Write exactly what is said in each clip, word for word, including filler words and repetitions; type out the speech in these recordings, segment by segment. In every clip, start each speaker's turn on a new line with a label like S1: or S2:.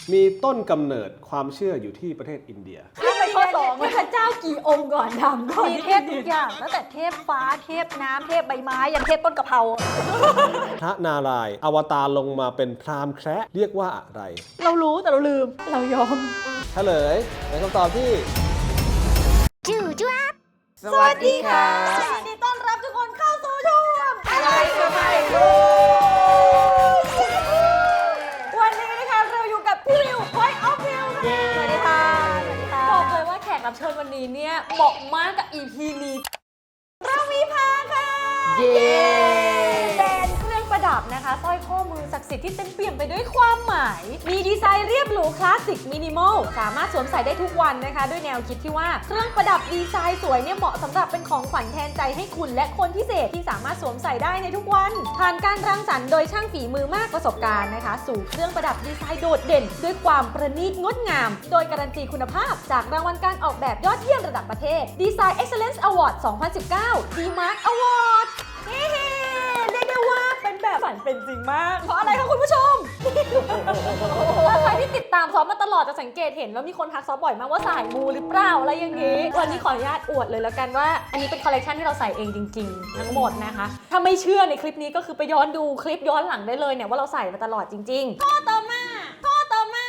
S1: มีต้นกำเนิดความเชื่ออยู่ที่ประเทศอินเดีย
S2: ข้ามไปข้อสองเทพเจ้ากี่องค์ก่อนทำก่อน
S3: มีเทพทุกอย่างตั้งแต่เทพฟ้าเทพน้ำเทพใบไม้ยันเทพต้นกะเพรา
S1: พระนารายณ์อวตารลงมาเป็นพราหมณ์แคระเรียกว่าอะไร
S3: เรารู้แต่เราลืม
S2: เรายอม
S1: เฉลยในคำตอบที่
S2: สวัสดีค่ะยินดีต้อนรับทุกคนเข้าสู่ช่วงอะไรก็ไม่รู้ วันนี้นะคะเราอยู่กับพี่วิว Point of View ค่ะสวัสดีค่ะสวัสดีค่ะบอกเลยว่าแขกรับเชิญวันนี้เนี่ยเหมาะมากกับ อี พี นี้เรามีพาค่ะเย้เป็นเครื่องประดับนะคะสร้อยข้อมือศักดิ์สิทธิ์ที่เต็มเปี่ยมไปด้วยความหมาย มีดีไซน์เรียบหรูคลาสสิกมินิมอลสามารถสวมใส่ได้ทุกวันนะคะ ด้วยแนวคิดที่ว่าเครื่องประดับดีไซน์สวยเนี่ยเหมาะสำหรับเป็นของขวัญแทนใจให้คุณและคนพิเศษที่สามารถสวมใส่ได้ในทุกวัน ผ่านการรังสรรค์โดยช่างฝีมือมากประสบการณ์นะคะ สู่เครื่องประดับดีไซน์โดดเด่น ด้วยความประณีตงดงาม โดยการันตีคุณภาพจากรางวัลการออกแบบยอดเยี่ยมระดับประเทศ Design Excellence Award สองพันสิบเก้า ดีมาร์ค Award เฮ้เรียกได้ว่าเป็นแบบฝันเป็นจริงมาก เพราะอะไรคะคุณผู้ชม ถ้าใครที่ติดตามซอฟมาตลอดจะสังเกตเห็นว่ามีคนทักซอฟบ่อยมากว่าสายมูหรือเปล่าอะไรอย่างนี้ วันนี้ขออนุญาตอวดเลยแล้วกันว่า อันนี้เป็นคอลเลกชันที่เราใส่เองจริงๆ ทั้งหมดนะคะ ถ้าไม่เชื่อในคลิปนี้ก็คือไปย้อนดูคลิปย้อนหลังได้เลยเนี่ยว่าเราใส่มาตลอดจริงๆข้อต่อมาข้อต่อมา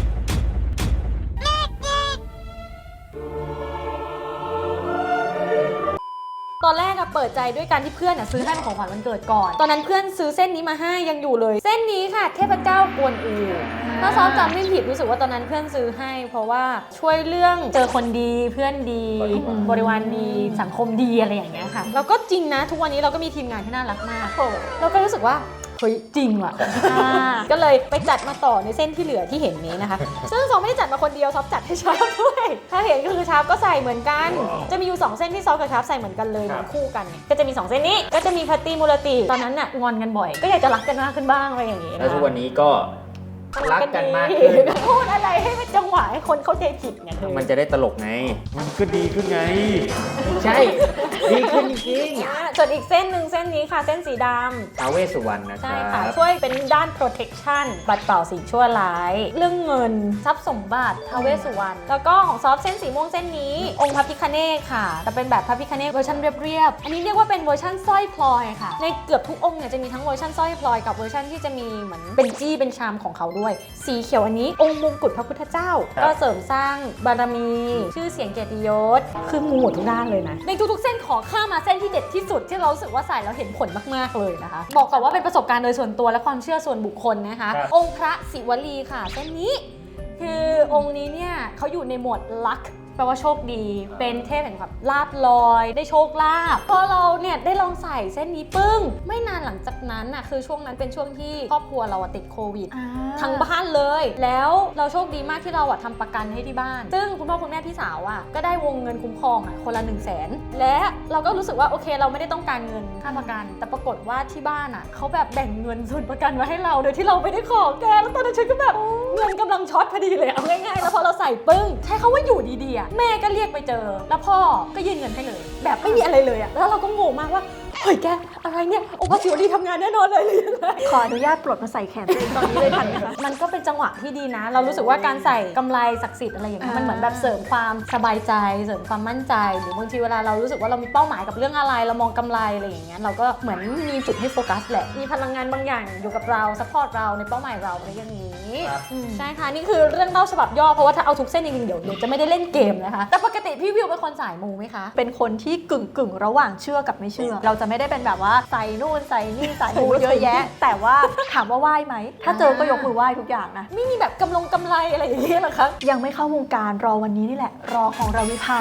S2: ตอนแรกอะเปิดใจด้วยการที่เพื่อนอะซื้อให้เป็นของขวัญวันเกิดก่อน ตอนนั้นเพื่อนซื้อเส้นนี้มาให้ยังอยู่เลย เส้นนี้ค่ะเทพเจ้ากวนอูถ้าซ้อมจำไม่ผิดรู้สึกว่าตอนนั้นเพื่อนซื้อให้ เพราะว่าช่วยเรื่องเจอคนดีเพื่อนดีบริวารดีสังคมดีอะไรอย่างเงี้ยค่ะแล้วก็จริงนะทุกวันนี้เราก็มีทีมงานที่น่ารักมากเราก็รู้สึกว่าเฮ้ยจริงว่ะ ก็เลยไปจัดมาต่อในเส้นที่เหลือที่เห็นนี้นะคะ ซึ่งซอฟไม่ได้จัดมาคนเดียวซอฟจัดให้ชาร์ปด้วย ถ้าเห็นก็คือชาร์ปก็ใส่เหมือนกัน จะมีอยู่สองเส้นที่ซอฟกับชาร์ปใส่เหมือนกันเลยเหมือนคู่กันเนี่ยก็จะมีสองเส้นนี้ก็จะมีแพตตี้มูลติตอนนั้นน่ะงอนกันบ่อยก็อยากจะรักกันมากขึ้นบ้างอะไรอย่างงี้
S4: แล้ว
S2: นะ
S4: ทุกวันนี้ก็รักกันมากขึ้น
S2: พูดอะไรให้มันจังหวะให้คนเข้าใจผิดไงเธอ
S4: มันจะได้ตลกไง
S1: มันก็ดีขึ้นไง
S4: ใช่ ดีขึ้นจริง
S2: อ่าส่วนอีกเส้นหนึ่งเส้นนี้ค่ะเส้นสีดำ
S4: ท้าวเวสสุวรรณนะค
S2: ใช่
S4: รั
S2: ค่ะ
S4: บ
S2: ช่วยเป็นด้าน protection บัดเป่าสิ่งชั่วร้าย เรื่องเงินทรัพย์สมบัติท้าวเวสสุวรรณแล้วก็ของซอฟเส้นสีม่วงเส้นนี้ องค์พระพิฆเนศค่ะแต่เป็นแบบพระพิฆเนศเวอร์ชันเรียบๆอันนี้เรียกว่าเป็นเวอร์ชันสร้อยพลอยค่ะในเกือบทุกองค์เนี่ยจะมีทั้งเวอร์ชันสร้อยพลอยกับเวอร์ชันที่จะมีเหมือนเป็นจี้เป็นชามของเขาด้วย สีเขียวอันนี้องค์มงกุฎพระพุทธเจ้า
S4: ครับ
S2: ก็เสริมสร้างบารมี ชื่อเสียงเกียรติยศคือมูหมดทุกด้านเลยนะในทุกๆเส้นขอข้ามมาเส้นที่เด็ดที่สุดที่เรารู้สึกว่าใส่แล้วเห็นผลมากๆเลยนะคะบอกก่อนว่าเป็นประสบการณ์โดยส่วนตัวและความเชื่อส่วนบุคคลนะคะ
S4: ครับ
S2: องค์พระศิวลีค่ะเส้นนี้ คือองค์นี้เนี่ยเขาอยู่ในหมวดลัคแปลว่าโชคดี เป็นเทพแห่งแบบลาบลอย ได้โชคลาภพอเราเนี่ยได้ลองใส่เส้นนี้ปึ้ง ไม่นานหลังจากนั้นน่ะคือช่วงนั้นเป็นช่วงที่ครอบครัวเราอะติดโควิด ทั้งบ้านเลย แล้วเราโชคดีมากที่เราอะทำประกันให้ที่บ้าน ซึ่งคุณพ่อคุณแม่พี่สาวอะก็ได้วงเงินคุ้มครองอะคนละหนึ่งแสนและเราก็รู้สึกว่าโอเคเราไม่ได้ต้องการเงินค่าประกัน แต่ปรากฏว่าที่บ้านอะเขาแบบแบ่งเงินส่วนประกันไว้ให้เราโดยที่เราไม่ได้ขอแกแล้วตอนนั้นฉันก็แบบเงินกำลังช็อตพอดีเลยเอาง่ายๆแล้วพอเราใส่ปึ้งใช้คำว่าอยู่ดีๆอะแม่ก็เรียกไปเจอ แล้วพ่อก็ยื่นเงินให้เลย แบบไม่มีอะไรเลยอะแล้วเราก็งงมากว่าเฮ้ยแกอะไรเนี่ยโอภาสิวดีทำงานแน่นอนเลยหรือยังไง
S3: ขออนุญาตปลดมาใส่แขนตัวเองตอนนี้เลยทันไหมคะ
S2: มันก็เป็นจังหวะที่ดีนะ เรารู้สึกว่าการใส่กำไรศักดิ์สิทธิ์อะไรอย่างเงี้ย
S3: อ่ามั
S2: มันเหมือนแบบเสริมความสบายใจ เสริมความมั่นใจ หรือบางทีเวลาเรารู้สึกว่าเรามีเป้าหมายกับเรื่องอะไร เรามองกำไรอะไรอย่างเงี้ย เราก็เหมือนมีจุดให้โฟกัสแหละ มีพลังงานบางอย่างอยู่กับเราซัพพอร์ตเราในเป้าหมายเราอะไรอย่างนี้
S4: ครับ
S2: อืมใช่ค่ะ นี่คือเรื่องเล่าฉบับย่อ เพราะว่าถ้าเอาทุกเส้นจริงๆเดี๋ยวเดี๋ยวจะไม่ได้เล่นเกมนะคะ แต่ปกติพี่วิวเป็นคนสายมูไหมคะ
S3: เป็นคนที่กึ่งกึ่งๆระหว่างเชื่อกับไม่เชื่อ เราจะไม่ได้เป็นแบบว่าใส่นู่นใส่นี่ใส่มูเยอะแยะ แต่ว่าถามว่าไหว้ไหม ถ้าเจอก็ยกมือไหว้ทุกอย่างนะ
S2: ไม่มีแบบกำลงกำไรอะไรอย่างเงี้ยหรอคะ
S3: ยังไม่เข้าวงการรอวันนี้นี่แหละ รอของเราวิภา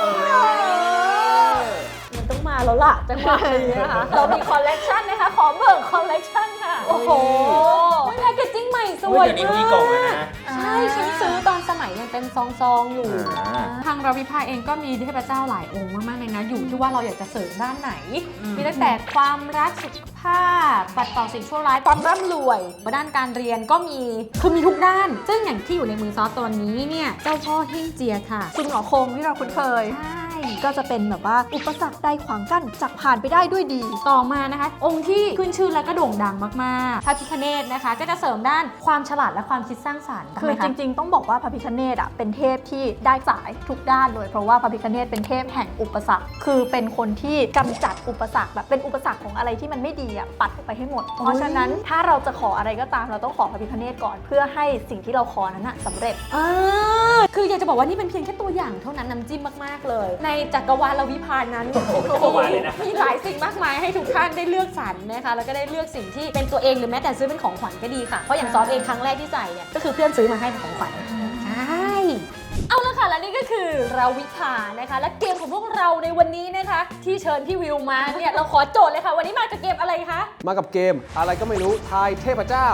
S2: มันต้องมาแล้วล่ะจังหวะนี้นะคะ เรามีคอลเลกชันนะคะ ขอเบิกคอลเลกชันค่ะ โอ้โหแพคเกจจิ้งใหม่ส
S4: อุ๊
S2: วย ย
S4: เดี๋ยวนี้
S2: มาก
S4: มีกล่องแล้วนะ
S2: ใช่ฉันซื้อตอนสมัยยังเป็นซองๆอยู่
S4: อ่า
S2: ทางเราวิภาเองก็มีเทพเจ้าหลายองค์มากๆเลยนะ อยู่ที่ว่าเราอยากจะเสริมด้านไหน มีตั้งแต่ความรักสุขภาพปัดเป่าสิ่งชั่วร้ายความร่ำรวยมาด้านการเรียนก็มีคือมีทุกด้าน ซึ่งอย่างที่อยู่ในมือซอสตัวนี้เนี่ยเจ้าพ่อเฮ่งเจียค่ะ
S3: คุณหมอคงที่เราคุ้นเคย
S2: ใช่
S3: ก็จะเป็นแบบว่าอุปสรรคใดขวางกั้นจักผ่านไปได้ด้วยดี
S2: ต่อมานะคะ องค์ที่ขึ้นชื่อและก็โด่งดังมากๆพระพิฆเนศนะคะ ก็จะเสริมด้านความฉลาดและความคิดสร้างสรรค์
S3: คือ
S2: ทำไมะ
S3: จริงๆ ต้องบอกว่าพระพิฆเนศอ่ะเป็นเทพที่ได้สายทุกด้านเลยเพราะว่าพระพิฆเนศเป็นเทพแห่งอุปสรรคคือเป็นคนที่กำจัดอุปสรรคแบบเป็นอุปสรรคของอะไรที่มันไม่ดีอ่ะปัดออกไปให้หมด เพราะฉะนั้นถ้าเราจะขออะไรก็ตามเราต้องขอพระพิฆเนศก่อน เพื่อให้สิ่งที่เราขอนั้นน่ะสำเร็จ
S2: อ่าคืออยากจะบอกว่านี่เป็นเพียงแค่ตัวอย่างเท่านั้นน้ำจิ้มมากๆเลย ในจักรวาลวิภานั้น
S4: จักรวาลเลยนะ
S2: มีหลายสิ่งมากมายให้ทุกท่านได้เลือกสรรนะคะแล้วก็ได้เลือกสิ่งที่เป็นตัวเองหรือแม้แต่ซื้อเป็นของขวัญก็ดีค่ะเพราะอย่างซอฟเองครั้งแรกที่ใส่เนี่ยก็คือเพื่อนซื้อมาให้เป็นของขวัญใช่เอาละค่ะและนี่ก็คือเราวิภานะคะและเกมของพวกเราในวันนี้นะคะที่เชิญพี่วิวมาเนี่ยเราขอโจทย์เลยค่ะวันนี้มากับเกมอะไรคะ
S1: มากับเกมอะไรก็ไม่รู้ทายเทพเจ้า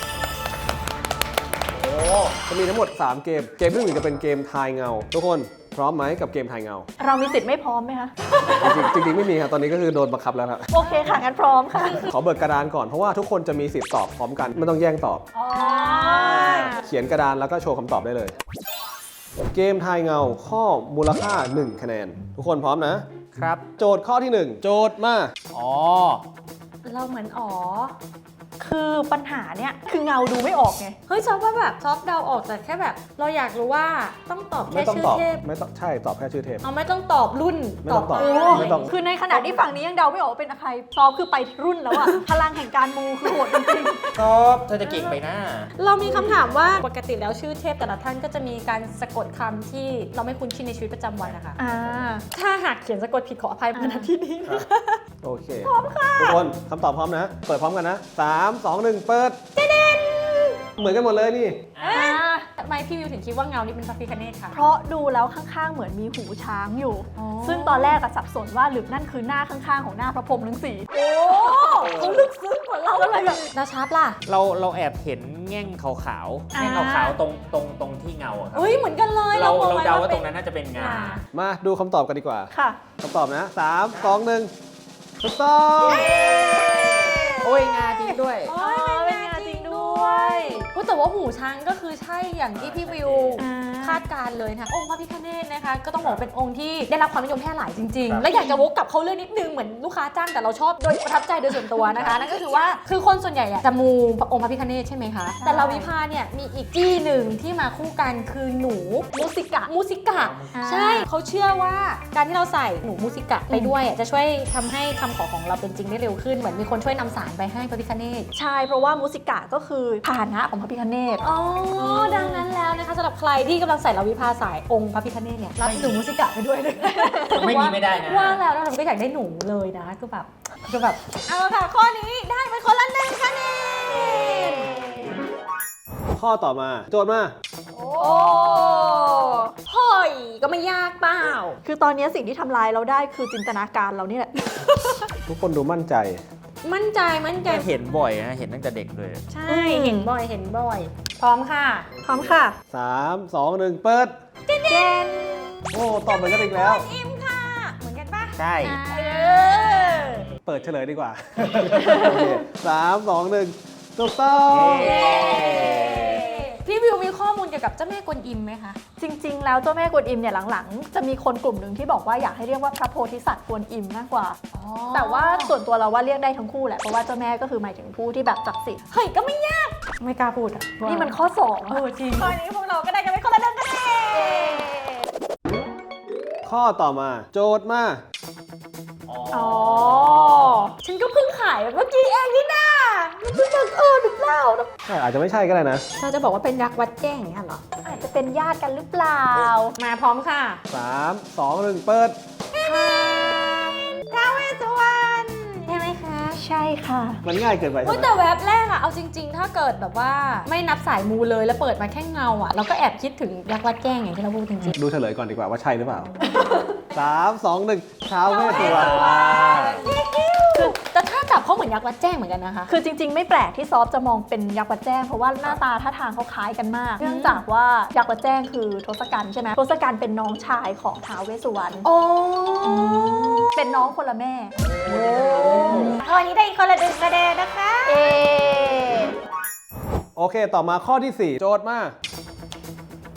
S1: โอ้จะมีทั้งหมดสามเกมเกมที่หนึ่งจะเป็นเกมทายเงาทุกคนพร้อมไหมกับเกมทายเงา
S3: เรามีสิทธิ์ไม่พร้อมไหมคะ
S1: จริงๆจริงๆไม่มีครับตอนนี้ก็คือโดนบังคับแล้วครับ
S3: โอเคค่ะงั้นพร้อมค่ะ
S1: ขอเบิกกระดานก่อนเพราะว่าทุกคนจะมีสิทธิ์ตอบพร้อมกันไม่ต้องแย่งตอบ เขียนกระดานแล้วก็โชว์คำตอบได้เลย เกมทายเงาข้อมูลค่าหนึ่งคะแนนทุกคนพร้อมนะ
S4: ครับ
S1: โจทย์ข้อที่หนึ่งโจทย์มา
S4: อ๋อ
S2: เราเหมือนอ๋อ
S3: คือปัญหาเนี่ยคือเงาดูไม่ออกไง
S2: เฮ้ยซอฟว่าแบบซอฟเดาออกแต่แค่แบบ เราอยากรู้ว่าต้องตอบ
S1: ไม่
S2: แค่
S1: ต้อง
S2: ชื่อ
S1: ตอบ
S2: เทพ
S1: ไม่ต้องใช่ตอบแค่ชื่อเทพ
S2: เอาไม่ต้องตอบรุ่น
S1: ไม่ต้องตอบ
S2: โอ้
S1: ไม่ต้อง
S3: คือในขณะที่ฝั่งนี้ยังเดาไม่ออกว่าเป็นใครซอฟคือไปรุ่นแล้วอะพลังแห่งการมูคือโหดจริง
S4: ชอบเธอจะเก่งไปหน้า
S2: เรามีคำถามว่าปกติแล้วชื่อเทพแต่ละท่านก็จะมีการสะกดคำที่เราไม่คุ้นชินในชีวิตประจำวันนะคะ
S3: ๆอ่า
S2: ถ้าหากเขียนสะกดผิดขออภัยมาณที่นี้นะคะ
S1: โอเคพร้อมค่ะทุกคนคำตอบพร้อมนะ เปิดพร้อมกันนะสาม สอง หนึ่งเปิดเหมือนกันหมดเลยนี่
S3: อ่า
S2: ทำไมพี่วิวถึงคิดว่าเงานี่เป็นพระพิฆเนศคะ
S3: เพราะดูแล้วข้างๆ เหมือนมีหูช้างอยู่
S2: อ๋อ
S3: ซึ่งตอนแรกอะสับสนว่าหรือนั่นคือหน้าข้างๆ ของหน้าพระพรหมทั้งสี่
S2: โอ้เขาลึกซึ้งกว่าเราเลยแบบนาชาร์ปล่ะ
S4: เราเราแอบเห็นแง่งขาวๆ
S3: อ่า
S4: แง่งขาวๆตรงตรงตรงที่เงาอะครับ
S2: เฮ้ยเหมือนกันเลย
S4: เรา
S2: มอง
S4: เรา
S2: ไว้
S4: เดาว่า
S2: ป็
S4: ตรงนั้นน่าจะเป็นงา
S1: มาดูคำตอบกันดีกว่า
S3: ค่ะ
S1: คำตอบนะสาม สอง หนึ่งถูกต้อง
S4: โอ้ยงาจริงด้วย
S2: โอ้ยเป็นงาจริงด้วยอุ๊ยแต่ว่าหูช้างก็คือใช่อย่างที่พี่วิว
S3: อ่า
S2: คาดการณ์เลยนะคะองค์พระพิฆเนศนะคะ ก็ต้องบอกว่าเป็นองค์ที่ได้รับความนิยมแพร่หลายจริง
S4: ครั
S2: ๆ
S4: บ
S2: และอยากจะวกกลับเขาเรื่องนิดนึงเหมือนลูกค้าจ้างแต่เราชอบโดยประทับใจโดยส่วนตัวนะคะ นั่นก็คือว่าคือคนส่วนใหญ่อะจะมูองค์พระพิฆเนศใช่ไหมคะ แต่เราวิภาเนี่ยมีอีกจี้หนึ่งที่มาคู่กันคือหนูมูสิกะมูสิกะ
S3: อ่า
S2: ใช่เขาเชื่อว่าการที่เราใส่หนูมูสิกะไปด้วยอะจะช่วยทำให้คำขอของเราเป็นจริงได้เร็วขึ้นเหมือนมีคนช่วยนำสารไปให้พระพิฆเนศ
S3: ใช่เพราะว่ามูสิกะก็คือพาหนะของพระพิฆเนศ
S2: อ๋อ ดังนั้นแล้วนะคะสำหรับใครที่กำลังใส่ลาวิภาสายองค์พระพิฆเนศเนี่ยรับหนูมูสิกะไปด้วยเลย
S4: ไม่มีไม่ได้นะ
S2: ว่าแล้วเราก็อยากได้หนูเลยนะคือแบบคือแบบเอาละค่ะข้อนี้ได้ไปคนละหนึ่งคะแนน
S1: ข้อต่อมาโจทย์มา
S2: โอ้หอยก็ไม่ยากเปล่า
S3: คือตอนนี้สิ่งที่ทำลายเราได้คือจินตนาการเรานี่แหละ
S1: ทุกคนดูมั่นใจ
S2: มั่นใจมั่นใจ
S4: เห็นบ่อยนะ เห็นตั้งแต่เด็กเลย
S2: ใช่เห็นบ่อยเห็นบ่อย พร้อมค่ะ
S3: พร้อมค่ะ
S1: สาม สอง หนึ่งเปิด
S3: เจน
S1: โอ้ตอบเหมือนกันอีกแล้ว
S2: อิมค่ะ เหมือนกันปะ
S4: ใช่
S2: เออ
S1: เปิดเฉลยดีกว่า โอเคสาม สอง หนึ่งถูกต้อง
S4: เย้
S2: พี่วิวมีข้อมูลเกี่ยวกับเจ้าแม่กวนอิมไหมคะ
S3: จริง ๆ แล้วเจ้าแม่กวนอิมเนี่ยหลังๆ จะมีคนกลุ่มหนึ่งที่บอกว่าอยากให้เรียกว่าพระโพธิสัตว์กวนอิมมากกว่า แต่ว่าส่วนตัวเราว่าเรียกได้ทั้งคู่แหละ เพราะว่าเจ้าแม่ก็คือหมายถึงผู้ที่แบบศักดิ์สิทธิ์
S2: เฮ้ยก็ไม่ยาก ไม่กล้าพูดอ่ะ
S3: นี่มันข้อสอง
S2: เออจริงข้อนี้พวกเราก็ได้กันไปคนละหนึ่งคะแนน
S1: ข้อต่อมาโจทย์มา
S3: อ๋อ
S2: ฉันก็เพิ่งขายเมื่อกี้เองนี่นามันเพิ่งบังเอิญหรือเปล่า
S1: ใช่อาจจะไม่ใช่ก็ได้นะ
S2: เราจะบอกว่าเป็นยักษ์วัดแจ้งอย่างเงี้ยเหรอ
S3: อาจจะเป็นญาติกันหรือเปล่า
S2: มาพร้อมค่ะ
S1: สาม สอง หนึ่งเปิด
S2: ท้าวเวสสุวรรณใช่ไหมคะ
S3: ใช่ค่ะ
S1: มันง่ายเกินไป
S2: เฮ้ย
S1: ใช่ไหม
S2: แต่แว็บแรกอะเอาจริง ๆ ถ้าเกิดแบบว่าไม่นับสายมูเลยแล้วเปิดมาแค่เงาอะเราก็แอบคิดถึงยักษ์วัดแจ้งอย่างที่เราพูดจริง
S1: ดูเฉลยก่อนดีกว่าว่าใช่หรือเปล่า สาม สอง หนึ่งท้าวเวสสุวรรณ
S2: ๆคือแต่ถ้าจับเขาเหมือนยักษ์วัดแจ้งเหมือนกันนะคะ
S3: คือจริง ๆ ไม่แปลกที่ซอฟจะมองเป็นยักษ์วัดแจ้งเพราะว่าหน้าตาท่าทางเขาคล้ายกันมาก เนื่องจากว่ายักษ์วัดแจ้งคือทศกัณฐ์ใช่ไหมทศกัณฐ์เป็นน้องชายของท้าวเวสสุวรรณ
S2: โอ้
S3: เป็นน้องคนละแม่
S2: วันนี้ได้คนละหนึ่งคะแนนนะคะ
S3: เอ
S1: โอเค ต่อมาข้อที่สี่โจทย์มา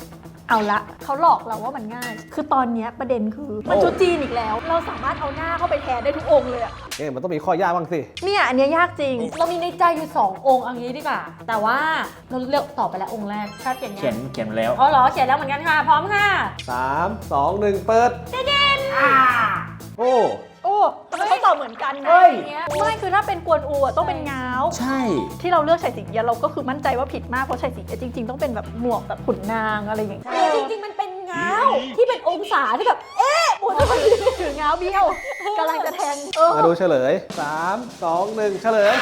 S3: เอาละเขาหลอกเราว่ามันง่าย คือตอนเนี้ยประเด็นคือมันชุดจีนอีกแล้ว เราสามารถเอาหน้าเข้าไปแทนได้ทุกองค์เลยอะ
S1: เอ๊ะมันต้องมีข้อยากบ้างสิ
S3: เนี่ยอันเนี้ยยากจริง
S2: เรามีในใจอยู่สององค์เอางี้ดีกว่า แต่ว่าเราเลือกตอบไปแล้วองค์แรกชาติเขียนไง
S4: เขียนเขียนแล้ว
S2: อ๋อเหรอเขียนแล้วเหมือนกันค่ะ พร้อมค่ะ
S1: สาม สอง หนึ่ง เปิด
S2: อ่า
S1: โอ้
S3: โอ้ทำไมเขาตอบเหมือนกันนะ
S4: เฮ้ย
S3: อย่างเงี้ยไม่คือถ้าเป็นกวนอูอะต้องเป็นง้าว
S4: ใช่
S3: ที่เราเลือกไฉสิงเอียะเราก็คือมั่นใจว่าผิดมากเพราะไฉสิงเอียะจริง ๆ ต้องเป็นแบบหมวกแบบขุนนางอะไรอย่างเงี้ย
S2: จริงๆมันเป็นเงาที่เป็นองศาที่แบบ เอ๊ะหมุนไป
S3: ถือง้าวเบี้ยวกำลังจะแทงเออ
S1: มาดูเฉลย สาม สอง หนึ่ง เฉลย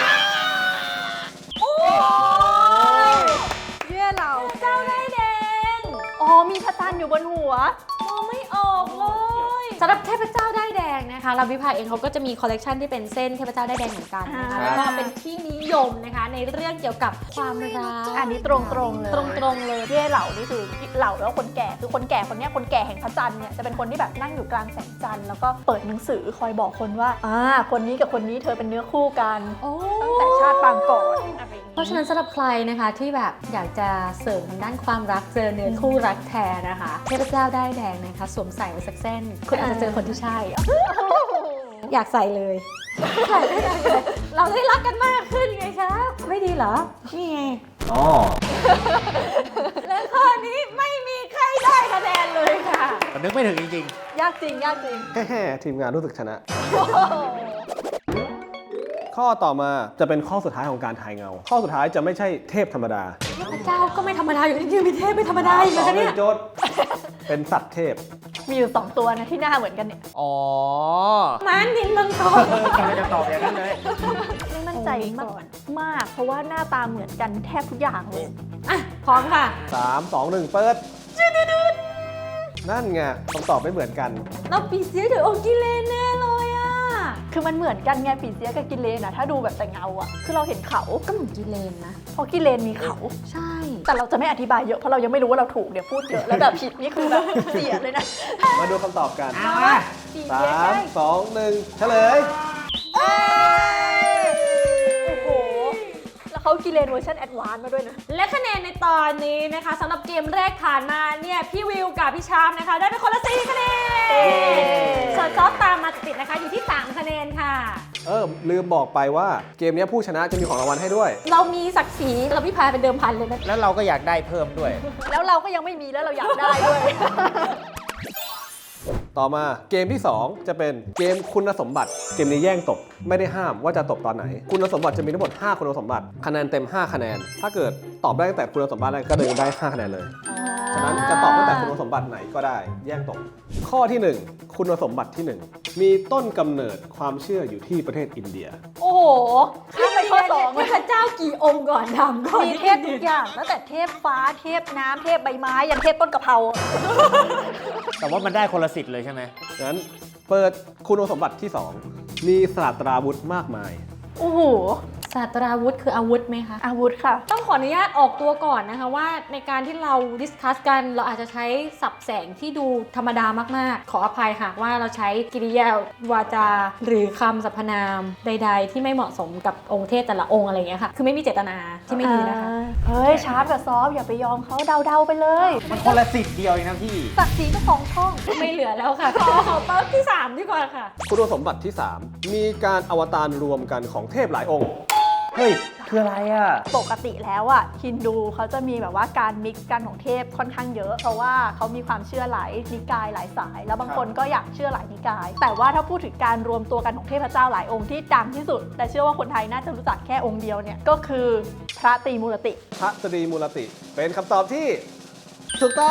S3: เยื่อเรา
S2: เจ้าได้แดง
S3: อ๋อมีพระจันทร์อยู่บนหัว
S2: มองไม่ออกเลยสำหรับเทพเจ้าได้ายแดงนะคะลาวิภาเองเขาก็จะมีคอลเลกชันที่เป็นเส้นเทพเจ้าได้ายแดงเหมือนกันนะคะ
S3: อ่า
S2: แล้วก็เป็นที่นิยมนะคะในเรื่องเกี่ยวกับความรัก
S3: อันนี้ตรงๆเลย
S2: ตรงๆเลย
S3: เย่เหล่านี่คือเหล่าแล้วคนแก่คือคนแก่คนเนี้ยคนแก่แห่งพระจันทร์เนี่ยจะเป็นคนที่แบบนั่งอยู่กลางแสงจันทร์แล้วก็เปิดหนังสือคอยบอกคนว่าอ่าคนนี้กับคนนี้เธอเป็นเนื้อคู่กัน
S2: โอ้
S3: ตั้งแต่ชาติปางก่อนอะไรอย่าง
S2: เพราะฉะนั้นสำหรับใครนะคะที่แบบอยากจะเสริมทางด้านความรักเจอเนื้อคู่รักแท้นะคะเทพเจ้าได้ายแดงนะคะสวมใส่ไว้สักเส้นคุณอาจจะเจอคนที่ใช่ อยากใส่เลยใส่ได้เลย เราได้รักกันมากขึ้นไงคะไม่ดีเหรอ นี่ไง
S4: อ๋อ
S2: และข้อนี้ไม่มีใครได้คะแนนเลยค่ะ
S4: มันนึกไม่ถึงจริง
S3: ยากจริงยากจริง
S1: แฮ่ๆทีมงานรู้สึกชนะ ข้อต่อมาจะเป็นข้อสุดท้ายของการทายเงา ข้อสุดท้ายจะไม่ใช่เทพธรรมดา
S2: เทพเจ้าก็ไม่ธรรมดาอยู่ที่ยืนมีเทพไม่ธรรมดาอีก
S1: ส
S2: เลย
S1: อง
S2: คะ
S1: หนึ่
S2: เนี่
S1: ง
S2: ย
S1: โจทย์เป็นสัตว์เทพ
S3: มีอยู่สองตัวนะที่หน้าเหมือนกันเนี่ย
S4: ๆ อ๋อ
S2: ม้านินมังกร
S4: กำลังจะตอบอย่างนั้นเลย
S3: ไม่มั่นใจมากมาก เพราะว่าหน้าตาเหมือนกันแทบทุกอย่างเลย
S2: อ่ะพร้อมค่ะ
S1: สาม สอง หนึ่ง เปิด นั่นไงคำตอบไม่เหมือนกัน
S2: เราปีเสียหรือโอกิเลนแน่เลยอ่ะ
S3: คือมันเหมือนกันไงปีเสียกับกิเลนอะถ้าดูแบบแต่เงาอะคือเราเห็นเขา
S2: ก็เหมือนกิเลนนะ
S3: เพราะกิเลนมีเขา
S2: ใช่
S3: แต่เราจะไม่อธิบายเยอะเพราะเรายังไม่รู้ว่าเราถูกเดี๋ยวพูดเยอะแล้วแบบผิดนี่คือแบบเสียเลยนะ
S1: มาดูคำตอบกัน
S4: เอามา
S3: ปี
S1: สา
S3: เสีย
S1: ม
S3: ได้
S1: สอง หนึ่ง เฉลย
S3: โอ้โห แล้วเขากิเลนเวอร์ชันแอดวานซ์มาด้วยนะ
S2: และคะแนนในตอนนี้นะคะสำหรับเกมแรกผ่านมาเนี่ยพี่วิวกับพี่ชามนะคะ ได้ไปคนละสี่คะแนน
S3: เย้
S2: ส่วนซอฟตามมาติดๆนะคะอยู่ที่สามคะแนนค่ะ
S1: เออ ลืมบอกไปว่าเกมนี้ผู้ชนะจะมีของรางวัลให้ด้วย
S2: เรามีศักดิ์ศรีเราพี่พายเป็นเดิมพันเลยนะ
S4: แล้วเราก็อยากได้เพิ่มด้วย
S3: แล้วเราก็ยังไม่มีแล้วเราอยากได้ด้วย
S1: ต่อมาเกมที่สองจะเป็นเกมคุณสมบัติ เกมนี้แย่งตบ ไม่ได้ห้ามว่าจะตบตอนไหน คุณสมบัติจะมีทั้งหมดห้าคุณสมบัติ คะแนนเต็มห้าคะแนน ถ้าเกิดตอบได้ตั้งแต่คุณสมบัติแรกก็เลยได้ห้าคะแนนเลย ฉะนั้นจะตอบตั้งแต่คุณสมบัติไหนก็ได้ แย่งตก ข้อที่หนึ่งคุณสมบัติที่หนึ่งมีต้นกำเนิดความเชื่ออยู่ที่ประเทศอินเดีย
S3: โอ้โหข้ามไปข้อสอง
S2: เทพเจ้ากี่องค์ก่อนทำก่อน
S3: มีเทพทุกอย่างตั้งแต่เทพฟ้าเทพน้ำเทพใบไม้ยันเทพต้นกะเพรา
S4: แต่ว่ามันได้คนละสิทธิ์เลยใช่ไหม
S1: งั้นเปิดคุณสมบัติที่สองมีศาสตราวุธมากมาย
S3: โอ้โห
S2: ศาสตราวุธคืออาวุธไหมคะ
S3: อาวุธค่ะ
S2: ต้องขออนุญาตออกตัวก่อนนะคะว่าในการที่เราดิสคัสกันเราอาจจะใช้สับแสงที่ดูธรรมดามากๆ ขออภัยหากว่าเราใช้กิริยาวาจา หรือคำสรรพนามใด ๆ ที่ไม่เหมาะสมกับองค์เทพแต่ละองค์อะไรอย่างเงี้ยค่ะ คือไม่มีเจตนาที่ไม่ดีนะคะ
S3: เฮ้ย ชาร์ปกับซอฟอย่าไปยอมเขาเดาๆไปเลย
S4: มันคนละสิทธิ์เดียวเองนะพี่
S3: ศักดิ์ศรีเจ้าของช่อง
S2: ไม่เหลือแล้วค่ะ ขอขอเป้าที่สามดีกว่าค่ะ
S1: คุณสมบัติที่สามมีการอวตารรวมกันของเทพหลายองค์
S4: เฮ้ย คืออะไรอ่ะ
S3: ปกติแล้วอ่ะฮินดูเขาจะมีแบบว่าการมิกซ์กันของเทพค่อนข้างเยอะ เพราะว่าเขามีความเชื่อหลายนิกายหลายสาย แล้วบางคนก็อยากเชื่อหลายนิกาย แต่ว่าถ้าพูดถึงการรวมตัวกันของเทพเจ้าหลายองค์ที่ดังที่สุด แต่เชื่อว่าคนไทยน่าจะรู้จักแค่องค์เดียวเนี่ยก็คือพระตรีมูรติ
S1: พระตรีมูลติ เป็นคำตอบที่ถูกต้อง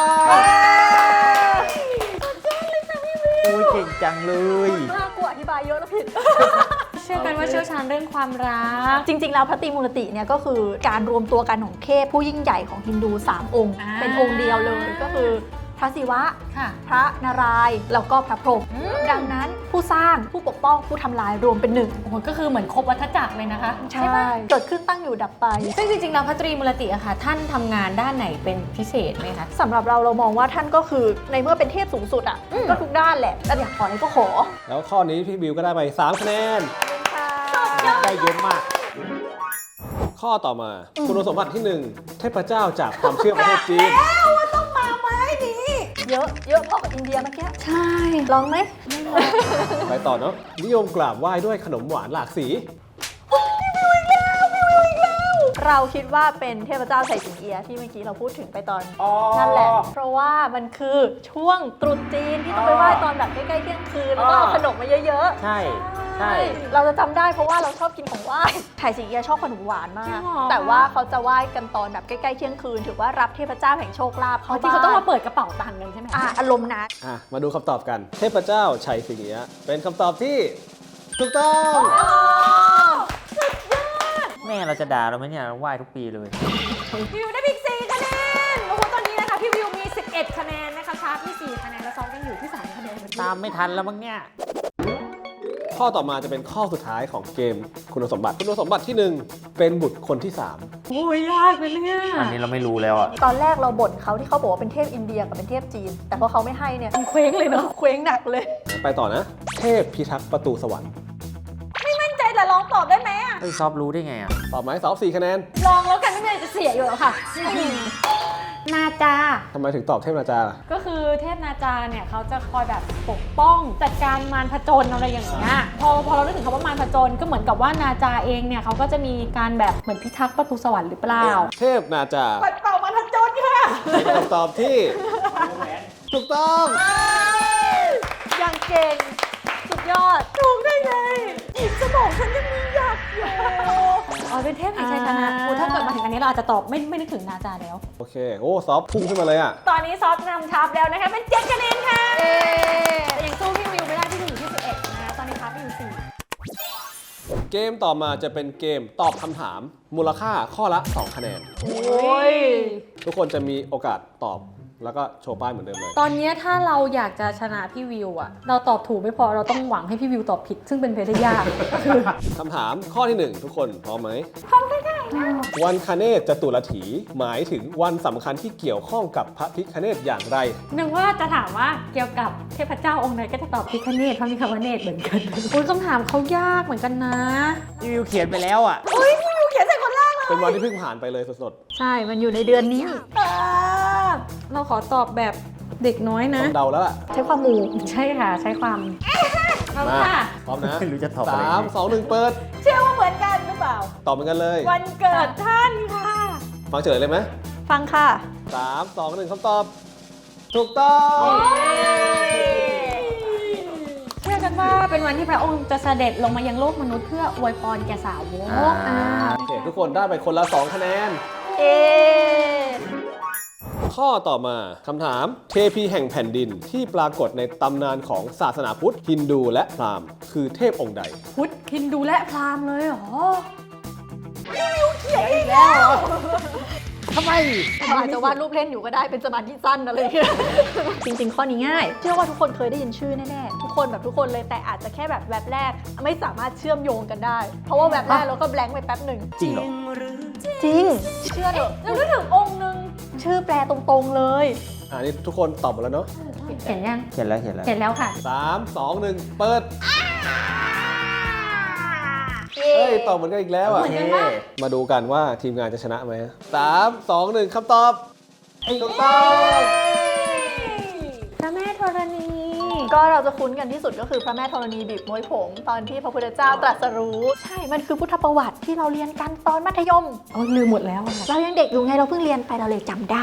S4: โอ้ยเก่งจังเลย
S3: น่ากลัวอธิบายเยอะแล้วผิด
S2: เชื่อกันว่าเชี่ยวชาญเรื่องความรัก
S3: จริงๆ แล้วพระตรีมูรติเนี่ยก็คือการรวมตัวกันของเทพผู้ยิ่งใหญ่ของฮินดู สาม องค์
S2: อ่า
S3: เป็นองค์เดียวเลยก็คือพระศิวะ
S2: ค่ะ
S3: พระนารายณ์แล้วก็พระพรหมดังนั้นผู้สร้างผู้ปกป้องผู้ทำลายรวมเป็นหนึ่ง
S2: โอ้โหก็คือเหมือนครบวัฏจักรเลยนะคะ ปะ
S3: เกิดขึ้นตั้งอยู่ดับไป
S2: ซึ่งจริงๆแล้วพระตรีมูลติอะค่ะ ท่านทำงานด้านไหนเป็นพิเศษไหมคะ
S3: สำหรับเราเรามองว่าท่านก็คือในเมื่อเป็นเทพสูงสุดอ่ะ
S2: อืม
S3: ก็ทุกด้านแหละแต่อยากขออะไรก็ขอ
S1: แล้วข้อนี้พี่บิวก็ได้ไปสามคะแนน
S4: ได้เยอะมาก
S1: ข้อต่อมา คุณสมบัติที่หนึ่งเทพเจ้าจากความเชื่อประเทศจีน
S2: ต้องมาไม้นี้
S3: เยอะเยอะพอกับอินเดียเมื่อกี้
S2: ใช่
S3: ลองไหม
S1: ไปต่อเนาะนิยมกราบไหว้ด้วยขนมหวานหลากสี
S3: เราคิดว่าเป็นเทพเจ้าไฉสิงเอียะที่เมื่อกี้เราพูดถึงไปตอน
S4: อ๋อ
S3: นั่นแหละ เพราะว่ามันคือช่วงตรุษจีนที่ต้องไปไหว้ตอนแบบใกล้ๆเที่ยงคืนแล้วก็เอาขนมมาเยอะๆ
S4: ใช่ใช่
S3: เราจะจำได้เพราะว่าเราชอบกินของไหว้ไฉสิงเอียะชอบขนมหวานมา
S2: จริ
S3: ก
S2: งเหรอ
S3: แต่ว่าเขาจะไหว้กันตอนแบบใกล้ๆเที่ยงคืนถือว่ารับเทพเจ้าแห่งโชคลาภ
S2: เขา
S3: เข้า
S2: ที่
S3: บ้าน
S2: เขาต้องมาเปิดกระเป๋าตังค์กันใช่ไหม
S3: อ่ะอารมณ์นะ
S1: อ่ะ มาดูคำตอบกัน เทพเจ้าชัยสิงเอียะเป็นคำตอบที่ถูกต้อง
S4: แม่เราจะด่าเราไหมเนี่ยเราไหว้ทุกปีเลย
S2: พี่วิวได้พิกสี่คะแนนโอ้โหตอนนี้นะคะพี่วิวมีสิบเอ็ดคะแนนนะคะชาร์ปมีสี่คะแนนแล้วซองกันอยู่ที่สามคะแนนเหมือนเดิ
S4: ตามไม่ทันแล้วมั้งเนี่ย
S1: ข้อต่อมาจะเป็นข้อสุดท้ายของเกมคุณสมบัติ คุณสมบัติที่หนึ่งเป็นบุตรคนที่สาม
S2: โอ้ยยากเลยเนี่ย
S4: อันนี้เราไม่รู้แล้วอ่ะ
S3: ตอนแรกเราบ่นเขาที่เขาบอกว่าเป็นเทพอินเดียกับเป็นเทพจีน แต่พอเขาไม่ให้เนี่ย
S2: มันเคว้งเลยเนาะ
S3: เคว้งหนักเลย
S1: ไปต่อนะ เทพพิทักษ์ประตูสวรรค์
S2: มั่นใจแต่ลองตอบได้ไหมอะ
S4: เฮ้ยซอฟรู้ได้ไงอ่ะ
S1: ตอบไหมสอบสี่คะแนน
S2: ลองแล้วกันไม่มีอะไรจะเสียอยู่แล้วค่ะนาจา
S1: ทำไมถึงตอบเทพนาจาล่ะ
S2: ก็คือเทพนาจาเนี่ยเขาจะคอยแบบปกป้องจัดการมารผจญอะไรอย่างเงี้ยพอพอเรานึกถึงคำว่ามารผจญก็เหมือนกับว่านาจาเองเนี่ยเขาก็จะมีการแบบเหมือนพิทักษ์ประตูสวรรค์หรือเปล่า
S1: เทพนาจา
S2: ปัดเป่ามารผจญค่ะ
S1: เป็นคำตอบที่ถูกต้อง
S3: อย่างเก่ง สุดยอด
S2: ถูกได้ไงอีกสมองฉันยังมีอยากอยู่อ๋อเป็นเทพแห่งชัยชนะ
S3: อ่า
S2: โอ้ถ้าเกิดมาถึงอันนี้เราอาจจะตอบไม่ไม่นึกถึงนาจาแล้ว
S1: โอเค โอ้ซอฟพุ่งขึ้นมาเลยอ่ะ
S2: ตอนนี้ซอสนำชาร์ปแล้วนะคะเป็นเจ็ดคะแนนค่ะแต่ยังสู้พี่วิวไม่ได้พี่วิวอยู่ที่สิบเอ็ดนะคะตอนนี้ชาร์ปไปอยู่สี่
S1: เกมต่อมาจะเป็นเกมตอบคำถาม มูลค่าข้อละสองคะแนน
S2: โอ้ย
S1: ทุกคนจะมีโอกาสตอบแล้วก็โชว์ป้ายเหมือนเดิมเลย
S2: ตอนนี้ถ้าเราอยากจะชนะพี่วิวอะเราตอบถูกไม่พอเราต้องหวังให้พี่วิวตอบผิด ซึ่งเป็นไปได้ยากคือ
S1: คำถามข้อที่หนึ่งทุกคนพร้อมไหม
S2: พร้อมได้ได้นะ
S1: วันคเนศจตุรถีหมายถึงวันสำคัญที่เกี่ยวข้องกับพระพิฆเนศอย่างไร
S2: นึกว่าจะถามว่าเกี่ยวกับเทพเจ้าองค์ไหนก็จะตอบพิคเนตพระมิคาวเนตเหมือนกันคุณคำถามเขายากเหมือนกันนะ
S4: พี่วิวเขียนไปแล้วอ่ะ
S2: อุ้ยพี่วิวเขียนใส่คนแรกเลย
S1: เป็นวันที่เพิ่งผ่านไปเลยสด
S3: ใช่ มันอยู่ในเดือนนี้
S2: อ่าเราขอตอบแบบเด็กน้อย
S1: ๆ
S2: นะ
S1: ต้องเดาแล้วล่ะ
S3: ใช้ความมู
S2: ใช่ค่ะ ใช้ความเอา
S1: มา
S2: ค่ะ
S1: พร้อมนะ
S4: ไม่รู้จะตอบอะไร
S1: สามสองหนึ่งเปิด
S2: เชื่อว่าเหมือนกันหรือเปล่า
S1: ตอบเหมือนกันเลย
S2: วันเกิดท่านค่ะ
S1: ฟังเฉลยเลยไหม
S3: ฟังค่ะ
S1: สามสองหนึ่งคำตอบ ถูกต้อง
S2: เชื่อกันว่าเป็นวันที่พระองค์จะเสด็จลงมายังโลกมนุษย์เพื่ออวยพรแก่สาวก
S4: อ่า
S1: โอเค ทุกคนได้ไปคนละสองคะแนน
S3: เอ
S1: ข้อต่อมาคำถามเทพีแห่งแผ่นดินที่ปรากฏในตำนานของศาสนาพุทธฮินดูและพราหมณ์คือเทพองค์ใด
S2: พุทธฮินดูและพราหมณ์เลยเหรอ
S4: ทำไม
S3: เราอาจจะวาดรูปเล่นอยู่ก็ได้เป็นสมาธิสั้นอะไรอย่างเงี้ย จริงๆ ข้อนี้ง่าย เชื่อว่าทุกคนเคยได้ยินชื่อแน่ๆ ทุกคนแบบทุกคนเลยแต่อาจจะแค่แบบแวบแรก ไม่สามารถเชื่อมโยงกันได้ เพราะว่าแวบแรกเราก็แบงค์ไปแป๊บหนึ่ง
S4: จริงเหรอ
S3: จริง เชื่อเถอะ
S2: เรานึกถึงองค์หนึ่ง
S3: ชื่อแปลตรงๆเลย
S1: อ่านี่ทุกคนตอบหมดแล้วเนาะ
S2: เห็นยัง
S4: เขียนแล้วเขียนแล้ว
S2: เห็นแล้วค่ะ
S1: สามสองหนึ่งเปิด เฮ้ย ตอบเหมือนกันอีกแล้วอ่ะ
S2: เหมือนกันปะ
S1: มาดูกันว่าทีมงานจะชนะไหมสามสองหนึ่งคำตอบ ถูกต้อง
S2: พระแม่ธรณี
S3: ก็เราจะคุ้นกันที่สุดก็คือพระแม่ธรณีบีบมวยผมตอนที่พระพุทธเจ้าตรัสรู้ ใช่ มันคือพุทธประวัติที่เราเรียนกันตอนมัธยม
S2: โอ้ยลืมหมดแล้วอะ
S3: เรายังเด็กอยู่ไงเราเพิ่งเรียนไปเราเลยจำได้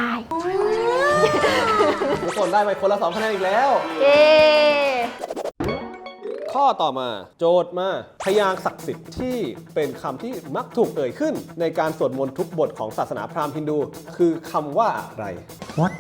S1: ทุกคนได้ไปคนละสองคะแนนอีกแล้ว
S3: เย้
S1: ข้อต่อมาโจทย์มาพยางค์ศักดิ์สิทธิ์ที่เป็นคำที่มักถูกเอ่ยขึ้น ในการสวดมนต์ทุกบทของศาสนาพราหมณ์ฮินดู คือคำว่าอะไร
S4: What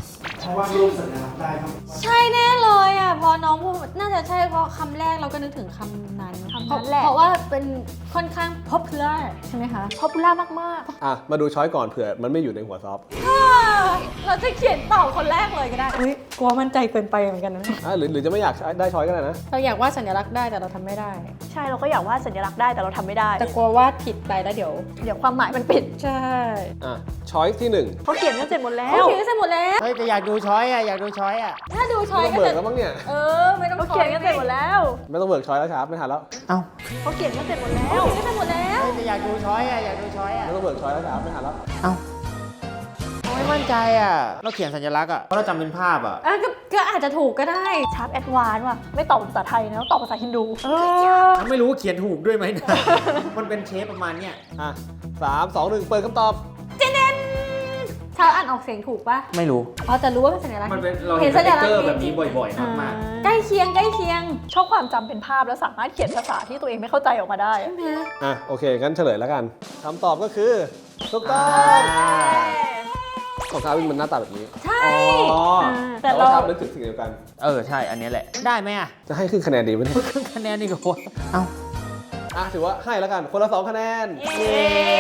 S2: ใช่แน่เลยอ่ะพอน้องพูดน่าจะใช่เพราะคำแรกเราก็นึกถึงคำนั้น
S3: คำนั้นแหละ
S2: เพราะว่าเป็นค่อนข้าง popular ใช่ไหมคะ
S3: พอปูล่ามาก
S1: อ่ะ มาดูช้อยก่อนเผื่อมันไม่อยู่ในหัวซอฟ
S2: เราจะเขียนตอบคนแรกเลยก็ได้อุ้ยกลัวมั่นใจเกินไปเหมือนกันนะ
S1: อ่ะหรือหรือจะไม่อยากได้ช้อยก็ได้นะ
S2: เราอยากวาดสัญลักษณ์ได้แต่เราทำไม่ได้
S3: ๆ ใช่เราก็อยากวาดสัญลักษณ์ได้แต่เราทำไม่ได้
S2: แต่กลัววาดผิดไปแล้วเดี๋ยว
S3: เดี๋ยวความหมายมันปิด
S2: ใช่
S1: อ่ะช้อยที่หนึ่ง
S3: เขาเขียนกันเสร็จหมดแล้
S2: โอ
S3: ว
S2: เคเสร็จหมดแล้ว
S4: เฮ้ยแต่อยากดูช้อยอ่ะอยากดูช้อยอ่ะ
S2: ถ้าดูช้อย
S1: ไม่ต้อง
S2: ก็
S1: เบิ
S2: จะ
S1: กแล้วมั้งเนี่ย
S2: เออไม่ต้อง
S3: เขาเขียนกันเสร็จหมดแล้ว
S1: ไม่ต้องเบิกช้อยแล้วครับไม่ทันแล้ว
S4: เอ้า
S3: เขาเขียนกันเสร็จหมดแล้
S2: โอ
S3: ว
S2: เคเสร็จหมดแล้ว
S4: เฮ้ยแต่อยากดูช้อยอ่ะอยากดูช้อยอ่ะ
S1: ไม่ต้องเบิกช้อยแล้วครับไม่ทันแล้ว
S4: เอ้า
S2: โอ้ย
S4: ไม่มั่นใจอ่ะ เราเขียนสัญลักษณ์อ่ะเพราะเราจำเป็นภาพอ่ะ
S2: อ่ะก็ก็อาจจะถูกก็ได้
S3: ชาร์ปแอดวานซ์ว่ะไม่ตอบภาษาไทยนะตอบภาษาฮินดู
S2: เออ
S4: ไม่รู้ว่าเขียนถูกด้วยไหมนะ มันเป็นเชฟประมาณเนี้ย
S1: อ่ะสามสองหนึ่งเปิดคำตอบ
S2: เจเนนชาวอ่านออกเสียงถูกปะ
S4: ไม่รู้
S2: พอจะรู้ว่าเป็นสัญลักษณ์
S4: มันเป็นเรา
S2: เห็
S4: เห็
S2: น
S4: น
S2: สั
S4: ส
S2: ญ
S4: ติ๊ก
S2: ลัก
S4: เก
S2: ษ
S4: อ
S2: ณ์
S4: ร์แบบนี้บ่อยๆมาก
S2: ใกล้เคียงใกล้เคียง
S3: ชอบความจำเป็นภาพแล้วสามารถเขียนภาษาที่ตัวเองไม่เข้าใจออกมาได้
S2: ใช่ไหม
S1: อ่ะโอเคงั้นเฉลยแล้วกันคำตอบก็คือถูกต้อง
S4: อ่า
S1: ของชาวินมันหน้าตาแบบนี้
S2: ใช่
S1: อ๋อ
S2: แต่
S1: แต่
S2: เรา
S1: ว่าชานึกถึงสิ่งเดียวกัน
S4: เออ ใช่ อันนี้แหละ ได้ไหมอ่ะ
S1: จะให้ขึ้นคะแนนดีไหมเนี่ย
S4: ครึ่งคะแนนนี่ก็พอเอ้า
S1: อ่ะถือว่าให้แล้วกันคนละสองคะแนน
S2: เย้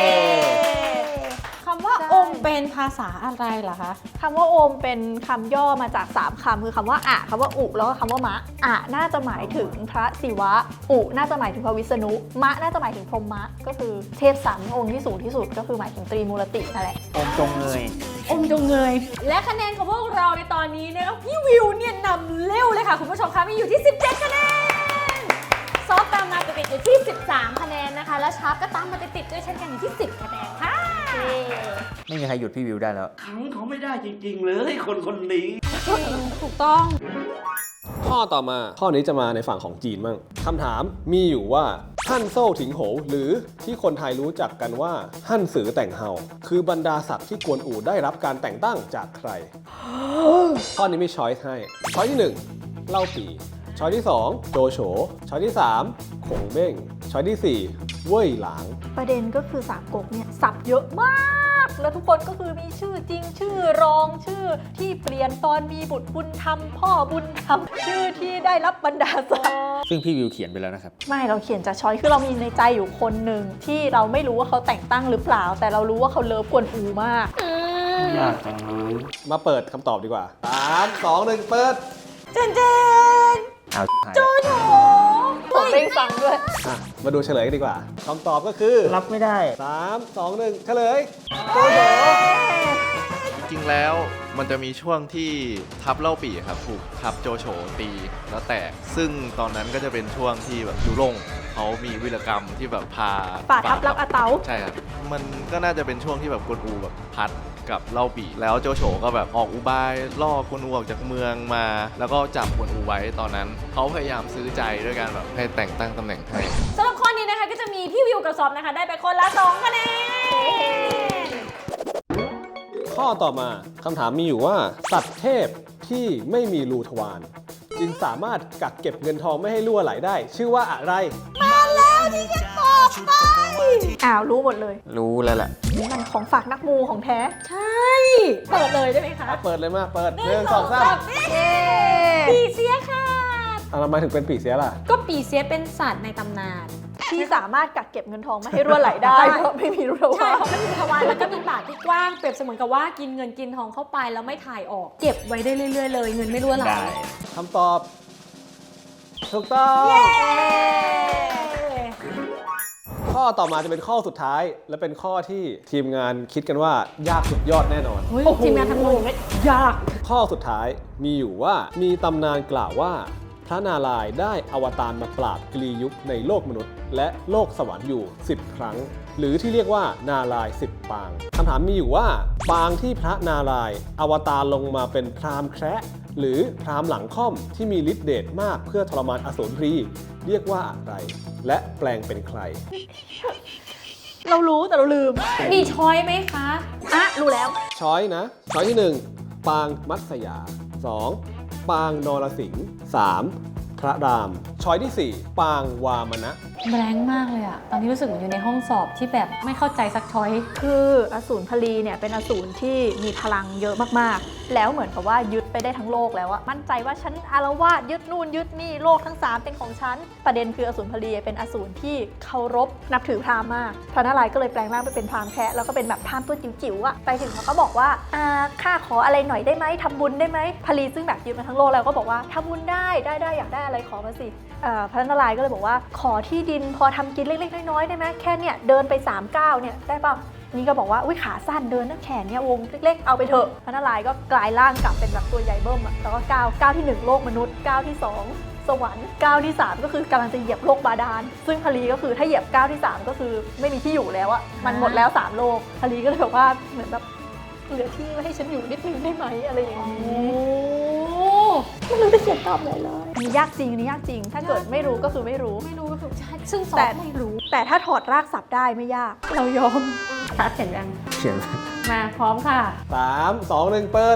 S2: คำว่า
S3: ใช่
S2: อมเป็นภาษาอะไรเหรอคะ
S3: คำว่าโอมเป็นคำย่อมาจากสามคำคือคำว่าอะคำว่าอุแล้วก็คำว่ามะอะน่าจะหมายถึงพระศิวะอุน่าจะหมายถึงพระวิษณุมะน่าจะหมายถึงพรหมะก็คือเทพสามองค์ที่สูงที่สุดก็คือหมายถึงตรีมูรตินั่นแหละ
S4: อมจงเงย
S2: อมจงเงย และคะแนนของพวกเราในตอนนี้นะคะพี่วิวเนี่ยนำเร็วเลยค่ะคุณผู้ชมคะมีอยู่ที่ สิบเจ็ด คะแนนซอฟตามมาติดๆอยู่ที่ สิบสาม คะแนนนะคะ แล้วชาร์ปก็ตามมาติดๆด้วยเช่นกันอยู่ที่ สิบ คะแนนค่ะ
S4: ไม่มีใครหยุดพี่วิวได้แล้ว
S5: ขังเขาไม่ได้จริงๆเลยคนคนนี้
S2: ถูกต้อง
S1: ข้อต่อมาข้อนี้จะมาในฝั่งของจีนมั่งคำถามมีอยู่ว่าฮั่นโซ่ถิงโหวหรือที่คนไทยรู้จักกันว่าฮั่นสือแต่งเฮาคือบรรดาศักดิ์ที่กวนอู่ได้รับการแต่งตั้งจากใคร ข้อนี้มีช้อยส์ให้ช้อยที่หนึ่งเล่าปีช้อยที่สองโจโฉช้อยที่สามขงเบ้งช้อยที่สี่เว่ยหลาง
S3: ประเด็นก็คือสามก๊กเนี่ยสับเยอะมาก แล้วทุกคนก็คือมีชื่อจริงชื่อรองชื่อที่เปลี่ยนตอนมีบุตรบุญธรรมพ่อบุญธรรมชื่อที่ได้รับบรรดาศักดิ์
S4: ซึ่งพี่วิวเขียนไปแล้วนะครับ
S3: ไม่เราเขียนจากช้อยคือเรามีในใจอยู่คนหนึ่งที่เราไม่รู้ว่าเขาแต่งตั้งหรือเปล่า แต่เรารู้ว่าเขาเลิฟกวนอูมาก
S5: ยากจังเลย
S1: มาเปิดคำตอบดีกว่าสามสองหนึ่งเปิด
S2: เจนเจน
S4: เอาหาย
S2: โจ
S4: แล้ว
S2: โฉ
S3: ผมเร่งฟังด้วย
S1: อ่ะมาดูเฉลยกันดีกว่าคำตอบก็คือ
S4: รับไม่ได้
S1: สามสองหนึ่งเฉลย
S6: จริงๆ แล้วมันจะมีช่วงที่ทัพเล่าปี่ครับถูกทัพโจโฉตีแล้วแตก ซึ่งตอนนั้นก็จะเป็นช่วงที่แบบยุรงเขามีวีรกรรมที่แบบพา
S3: ฝ่าทัพรับอาเตา
S6: ใช่ครับ มันก็น่าจะเป็นช่วงที่แบบกวนอูแบบพัดกับเล่าปี่แล้วโจโฉก็แบบออกอุบายล่อกวนอูออกจากเมืองมา แล้วก็จับกวนอูไว้ตอนนั้นเขาพยายามซื้อใจด้วยการแบบให้แต่งตั้งตำแหน่งให้
S2: สำหรับข้อนี้นะคะก็จะมีพี่วิวกับซอฟนะคะ ได้ไปคนละสองคะแนน
S1: ข้อต่อมาคำถามมีอยู่ว่าสัตว์เทพที่ไม่มีรูทวารจึงสามารถกักเก็บเงินทองไม่ให้รั่วไหลได้ ชื่อว่าอะไร
S3: อ้าวรู้หมดเลย
S4: รู้แล้วแหละ
S3: นี่มันของฝากนักมูของแท้
S2: ใช่ เปิดเลยได้ไหมคะ
S1: อ่ะเปิดเลยมาเปิด
S2: ห
S1: ห
S2: นึ่
S1: นึ่
S2: ง
S1: ง
S2: ส
S1: ส
S2: อ
S1: อง ง
S2: สา
S1: สาม ม
S2: เย้ปีเสียค่ะ
S1: อ่ะทำไมถึงเป็นปีเสียล่ะ
S2: ก็ปีเสียเป็นสัตว์ในตำนาน
S3: ที่สามารถกักเก็บเงินทองไม่ให้รั่วไหลได้เพราะไม่มีรูท
S2: ใช่
S3: วาร
S2: เพราะมันมีทวารแล้วก็มีปากที่กว้างเปรียบเสมือนกับว่ากินเงินกินทองเข้าไปแล้วไม่ถ่ายออก เก็บไว้ได้เรื่อยๆเลยเงินไม่รั่วไหล
S4: ได้
S1: คำตอบ ถูกต้อง ข้อต่อมาจะเป็นข้อสุดท้าย และเป็นข้อที่ทีมงานคิดกันว่ายากสุดยอดแน่นอน
S2: เฮ้ยทีมงานทำงงยาก
S1: ข้อสุดท้ายมีอยู่ว่ามีตำนานกล่าวว่าพระนารายณ์ได้อวตารมาปราบกลียุคในโลกมนุษย์ และโลกสวรรค์อยู่ สิบ ครั้ง หรือที่เรียกว่านารายณ์สิบปางคำถามมีอยู่ว่าปางที่พระนารายณ์อวตารลงมาเป็นพราหมณ์แคระหรือพราหมณ์หลังค่อมที่มีฤทธิ์เดชมากเพื่อทรมานอสูรพรีเรียกว่าอะไร และแปลงเป็นใคร
S3: เรารู้แต่เราลืม
S2: มีช้อยไหมคะ
S3: อ่ะรู้แล้ว
S1: ช้อยนะ ช้อยที่หนึ่งปางมัตสยา สอง ปางนรสิงห์ สาม พระราม ช้อยที่สี่ปางวามนะ
S2: แบงค์มากเลยอะตอนนี้รู้สึกเหมือนอยู่ในห้องสอบที่แบบไม่เข้าใจสักช้อย
S3: คืออสูรพลีเนี่ยเป็นอสูรที่มีพลังเยอะมากๆ แล้วเหมือนกับว่ายึดไปได้ทั้งโลกแล้วอะมั่นใจว่าฉันอารวาสยึดนู่นยึดนี่โลกทั้งสามเป็นของฉัน ประเด็นคืออสูรพลีเป็นอสูรที่เคารพนับถือพราหมณ์มาก พระนารายณ์ก็เลยแปลงร่างไปเป็นพราหมณ์แคะแล้วก็เป็นแบบพราหมณ์ตัวจิ๋วๆอะไปถึงเขาก็บอกว่าอ่าข้าขออะไรหน่อยได้ไหมทำบุญได้ไหมพลีซึ่งแบบยึดมาทั้งโลกแล้วก็บอกว่าทำบุญได้ได้ได้อยากได้อะไรขอมาสิเอ่อพระนารายณ์ก็เลยบอกว่าขอที่ดินพอทำกินเล็กๆน้อยๆได้ไหมแค่เนี่ยเดินไปสามก้าวเนี่ยได้ป่ะนี่ก็บอกว่าอุ้ยขาสั้นเดินนักแขนเนี่ยวงเล็กๆเอาไปเถอะพระนารายณ์ก็กลายร่างกลับเป็นแบบตัวใหญ่เบิ้มอะแล้วก็ก้าวก้าวที่หนึ่งโลกมนุษย์ก้าวที่สองสวรรค์ก้าวที่สามก็คือกำลังจะเหยียบโลกบาดาลซึ่งพลีก็คือถ้าเหยียบก้าวที่สามก็คือไม่มีที่อยู่แล้วอะมันหมดแล้วสามโลกพลีก็เลยบอกว่าเหมือนแบบเหลือที่ไว้ให้ฉันอยู่นิดนึงได้ไหมอะไรอย่างนี้
S2: โอ้
S3: ไม่รู้จะเขียนตอบอะไรเลยอันนี้ยากจริงอันนี้ยากจริง ถ้าเกิดไม่รู้ก็คือไม่รู้
S2: ไม่รู้ก็คือใช่ซึ่งซอ
S3: แต่
S2: ฟไม่รู้
S3: แต่ถ้าถอดรากศัพท์ได้ไม่ยาก เรายอม
S2: ทัดเห็นยัง
S4: เขียน
S2: มาพร้อมค่ะ
S1: สาม สอง หนึ่ง เปิด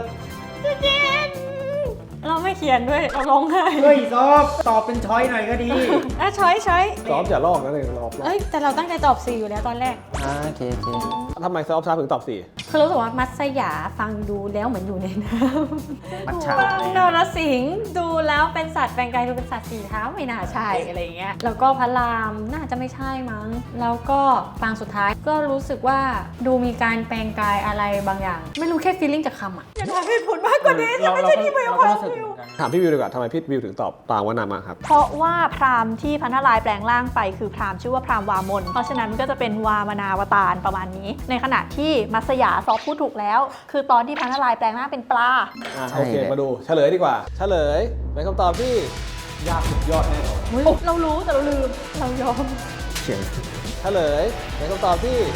S2: เราไม่เขียนด้วย เราร้องไห้
S4: เฮ้ยซอฟตอบเป็นช้อยหน่อยก็ดี
S2: อ่ะช้อยช้อย
S1: ซอฟอย่าลอกนะเลยรอบรอบ
S2: เอ้ย แต่เราตั้งใจตอบสี่อยู่แล้วตอนแรก
S4: อ่าโอเคโอเค
S1: ทำไมซอฟชาถึงตอบสี่
S2: คือรู้สึกว่ามัตสยาฟังดูแล้วเหมือนอยู่ในน้ำ
S4: มัทฉะ
S2: ฟังนรสิงห์ดูแล้วเป็นสัตว์แปลงกายดูเป็นสัตว์สี่เท้าไม่น่าใช่อะไรอย่างเงี้ย แล้วก็พระรามน่าจะไม่ใช่มั้ง แล้วก็ฟังสุดท้ายก็รู้สึกว่าดูมีการแปลงกายอะไรบางอย่าง ไม่รู้แค่ฟีลลิ่งจากคำอ่ะอย่าถามเหตุผลมากกว่านี้
S4: เราเราก็เราก็รู้สึกเหมือนกัน
S1: ถามพี่วิวดีกว่าทำไมพี่วิวถึงตอบปางวนามาครับ
S3: เพราะว่าพราหมณ์ที่พระนารายณ์แปลงร่างไปคือพราหมณ์ชื่อว่าพราหมณ์วามน เพราะฉะนั้นก็จะเป็นวามนาวตารประมาณนี้ ในขณะที่มัสยาซอฟพูดถูกแล้ว คือตอนที่พระนารายณ์แปลงร่างเป็นปลา
S1: อ่ะ
S4: ใช่
S1: โอเค
S4: เลย
S1: มาดูเฉลยดีกว่า เฉลยเป็นคำตอบที่ยากสุดยอดแน่นอน
S3: เรารู้แต่เราลืม เรายอม
S4: เขียน
S1: เฉลยเป็นคำตอบที่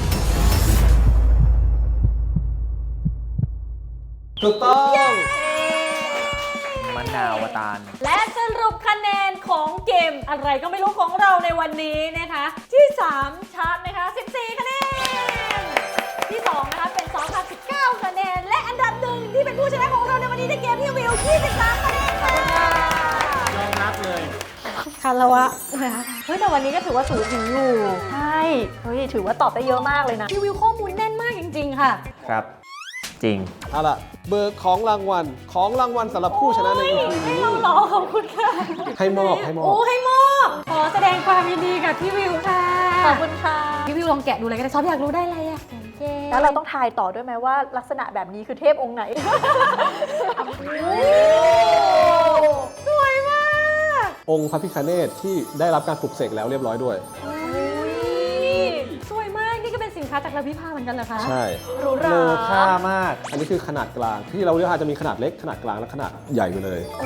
S1: ถูกต้อง
S4: มะนาวตาล
S2: และสรุปคะแนนของเกมอะไรก็ไม่รู้ของเราในวันนี้นะคะ ที่สามชาร์ตนะคะสิบสี่คะแนนที่สองนะคะเป็นสองค่ะสิบเก้าคะแนนและอันดับหนึ่งที่เป็นผู้ชนะของเราในวันนี้ในเกมที่วิวยี่สิบสามคะแนนค่ะ
S4: ยอมรับเลย
S2: คารวะนะคะเฮ้ยแต่วันนี้ก็ถือว่าสูสีอยู่
S3: ใช่ เฮ้ย ถือว่าตอบได้เยอะมากเลยนะ
S2: พี่วิวข้อมูลแน่นมากจริงๆค่ะ
S4: ครับ จริง
S1: เอาล่ะเบิกของรางวัลของรางวัลสำหรับผู้ชนะใน อี พี
S2: ให้
S1: นี้
S2: เรารอขอบคุณค่ะ
S1: ให้มอบให้มอบ
S2: โอ้ให้มอบขอแสดงความยินดีกับพี่วิวค่ะ
S3: ขอบคุณค่ะ
S2: พี่วิวลองแกะดูเลยก็ได้ซอฟอยากรู้ได้อะไรอ่ะเย้
S3: แล้วเราต้องทายต่อด้วยไหมว่าลักษณะแบบนี้คือเทพองค์ไหน
S2: โอ้สวยมาก
S1: องค์พระพิฆเนศที่ได้รับการปลุกเสกแล้วเรียบร้อยด้วย
S2: สวยมากนี่ก็เป็นสินค้าจากลาพิพาเหมือนกันเหรอคะ
S1: ใช่
S3: หรูหรา
S4: เลอค่ามาก
S1: อันนี้คือขนาดกลาง ที่เราเรียกว่าจะมีขนาดเล็กขนาดกลางและขนาดใหญ่ไปเลย
S2: โอ้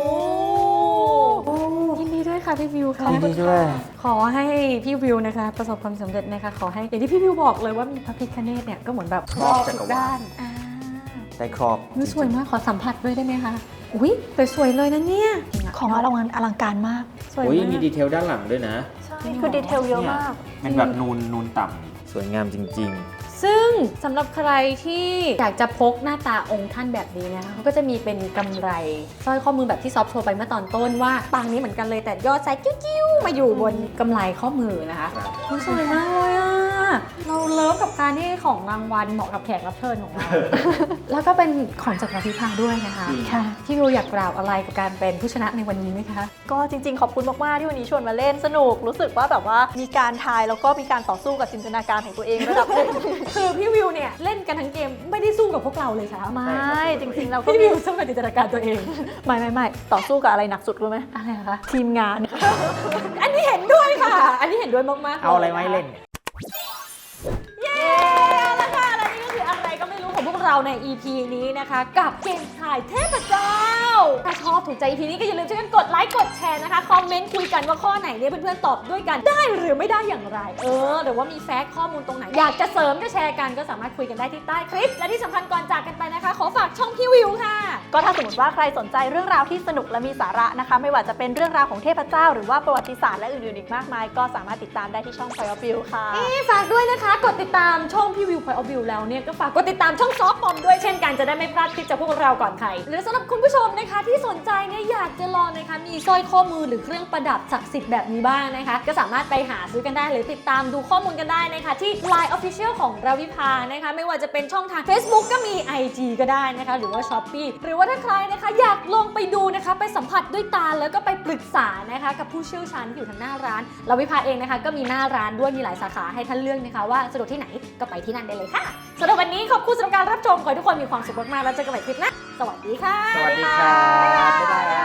S2: ยินดีด้วยค่ะพี่วิวค่ะ
S4: ยินดีด้วย
S2: ขอให้พี่วิวนะคะ ประสบความสำเร็จนะคะขอให้อย่างที่พี่วิวบอกเลยว่ามีพระพิฆเนศเนี่ยก็เหมือนแบบครอบทุกด้านอ่า
S4: ได้ครอบ
S2: นี่สวยมากขอสัมผัสด้วยได้ไหมคะอุ้ยสวยๆเลยนะเนี่ย
S3: ของอลังการอลังการมาก
S2: สวย
S4: โอ้ย
S2: มาก
S4: มีดีเทลด้านหลังด้วยนะ
S3: ใช่ คือดีเทลเยอะมาก
S4: เป็นแบบนูนนูนต่ำสวยงามจริง
S2: ซึ่งสำหรับใครที่อยากจะพกหน้าตาองค์ท่านแบบนี้นะคะเขาก็จะมีเป็นกำไรสร้อยข้อมือแบบที่ซอฟโชว์ไปเมื่อตอนต้นว่าปางนี้เหมือนกันเลยแต่ยอดไซส์กิ้วๆมาอยู่บนกำไรข้อมือนะคะ
S4: ครับ
S2: โอ้สวยมากเลยอ่ะเราเลิฟกับการที่ของรางวัลเหมาะกับแขกรับเชิญของเรา แล้วก็เป็นของจากลาพิพาด้วยนะคะ
S3: ค่ะ
S2: พี่วิวอยากกล่าวอะไรกับการเป็นผู้ชนะในวันนี้ไหมคะ
S3: ก็จริงๆ ขอบคุณมาก ๆ ที่วันนี้ชวนมาเล่นสนุก รู้สึกว่าแบบว่ามีการทายแล้วก็มีการต่อสู้กับจินตนาการของตัวเองระดับหนึ่ง
S2: คือพี่วิวเนี่ยเล่นกันทั้งเกมไม่ได้สู้กับพวกเราเลยค่ะ
S3: ไม่ จริง ๆ เราก็
S2: พี่
S3: มี
S2: วิวสู้กับจินตนาการตัวเอง
S3: ไม่ไม่ไม่ต่อสู้กับอะไรหนักสุดรู้ไหม
S2: อะไรคะ
S3: ทีมงาน
S2: อันนี้เห็นด้วยค่ะ อันนี้เห็นด้วยมากๆ
S4: ๆ เอาอะไรไว้เล่น
S2: เย้เอาละค่ะและนี่ก็คืออะไรก็ไม่รู้ของพวกเราใน อี พี นี้นะคะ กับเกมทายเทพเจ้า ถ้าชอบถูกใจ อี พี นี้ก็อย่าลืมช่วยกันกดไลค์กดแชร์นะคะ คอมเมนต์คุยกันว่าข้อไหนเนี่ยเพื่อนๆตอบด้วยกันได้หรือไม่ได้อย่างไร เออหรือว่ามีแฟกต์ข้อมูลตรงไหน อยากจะเสริมจะแชร์กันก็สามารถคุยกันได้ที่ใต้คลิป และที่สำคัญก่อนจากกันไปนะคะ ขอฝากช่องพี่วิวค่ะ
S3: ก็ถ้าสมมติว่าใครสนใจเรื่องราวที่สนุกและมีสาระนะคะ ไม่ว่าจะเป็นเรื่องราวของเทพเจ้า หรือว่าประวัติศาสตร์และอื่นๆอีกมากมาย ก็สามารถติดตามได้ที่ช่อง Point of View ค่ะ
S2: นี่ฝากด้วยนะคะกดติดตามช่องพี่วิวพอยออฟวิวแล้วเนี่ยก็ฝากกดติดตามช่องซอฟต์บอมด้วยเช่นกันจะได้ไม่พลาดคลิปจากพวกเราก่อนใครหรือสำหรับคุณผู้ชมนะคะที่สนใจเนี่ยอยากจะลองนะคะมีสร้อยข้อมือหรือเครื่องประดับศักดิ์สิทธิ์แบบนี้บ้างนะคะก็สามารถไปหาซื้อกันได้หรือติดตามดูข้อมูลกันได้นะคะที่ ไลน์ Official ของราวิภานะคะไม่ว่าจะเป็นช่องทาง Facebook ก็มี ไอ จี ก็ได้นะคะหรือว่า Shopee หรือว่าถ้าใครนะคะอยากลองไปดูนะคะไปสัมผัสด้วยตาแล้วก็ไปปรึกษานะคะกับผู้เชี่ยวชาญที่อยู่ทางหน้าร้านราวิภาเองนะคะก็มีหน้าร้านด้วยมีหลายสาขาให้ท่านเลือกนะคะว่าสะดวกที่ไหนก็ไปที่นั่นได้เลยค่ะสำหรับวันนี้ขอบคุณสำหรับการรับชมขอให้ทุกคนมีความสุขมากๆแล้วเจอกันใหม่คลิปหน้าสวัสดีค่ะ
S4: สวัสดีครับ บ๊ายบาย